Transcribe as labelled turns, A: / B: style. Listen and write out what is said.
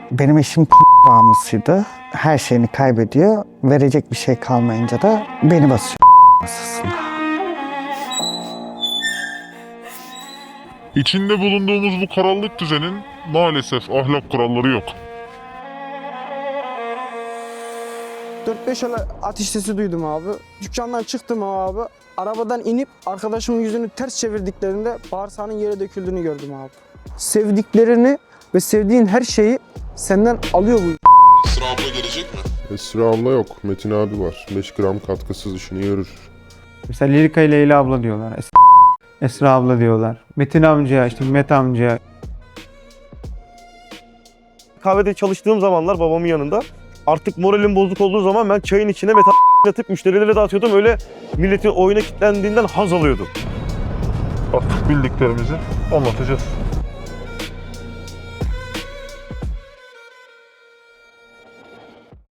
A: Benim eşim bağımlısıydı. Her şeyini kaybediyor. Verecek bir şey kalmayınca da beni basıyor masasında.
B: İçinde bulunduğumuz bu karanlık düzenin maalesef ahlak kuralları yok.
C: 4-5 ateş sesi duydum abi. Dükkandan çıktım abi. Arabadan inip arkadaşımın yüzünü ters çevirdiklerinde bağırsağının yere döküldüğünü gördüm abi. Sevdiklerini ve sevdiğin her şeyi senden alıyor bu.
B: Esra abla gelecek mi?
D: Esra abla yok. Metin abi var. 5 gram katkısız işini görür.
E: Mesela Lirika ile Leyla abla diyorlar. Esra abla diyorlar. Metin amca, işte Mehmet amca.
F: Kahvede çalıştığım zamanlar babamın yanında artık moralim bozuk olduğu zaman ben çayın içine metal atıp müşterilere dağıtıyordum. Öyle milletin oyuna kilitlendiğinden haz alıyordum.
B: Artık bildiklerimizi anlatacağız.